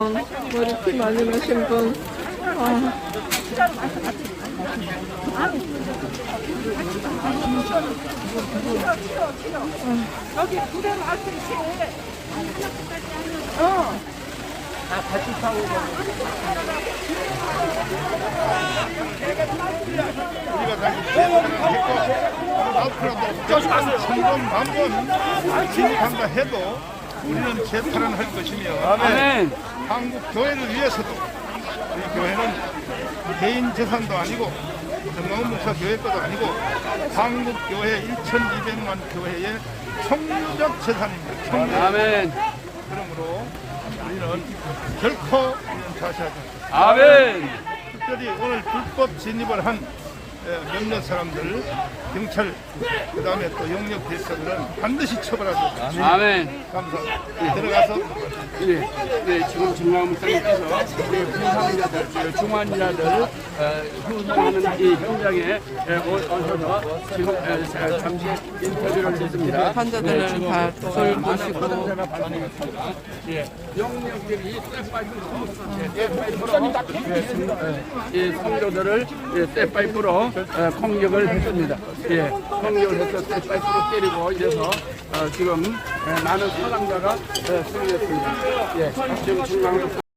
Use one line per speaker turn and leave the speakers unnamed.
머리피 많이 마신 분.
여기 부대 마을이지. 다 같이 타고
우리가 다시 천번 만번 진입한다 해도 우리는 재탈은 할 것이며
아멘.
한국 교회를 위해서도 우리 교회는 개인 재산도 아니고 정광훈 목사 교회 것도 아니고 한국 교회 1,200만 교회의 총유적 재산입니다. 총유적.
아멘.
그러므로 우리는 결코 우리는 자시하지 않습니다.
아멘.
특별히 오늘 불법 진입을 한 몇몇 사람들, 경찰, 그 다음에 또 영역 대사들은 반드시 처벌하도록
아멘.
감사합니다. 들어가서
네, 지금 정광훈 목사님께서 부상자들, 중환자들 후원하는 이 현장에 오셔서 지금 잠시 인터뷰를 했습니다.
환자들을 다 돌보시고.
예, 영역들이 성도들을 쇠파이프로 공격을 했습니다. 예, 공격을 해서 쇠파이프로 때리고 이래서 지금 많은 사상자가 승리했습니다. 예, 지금 중앙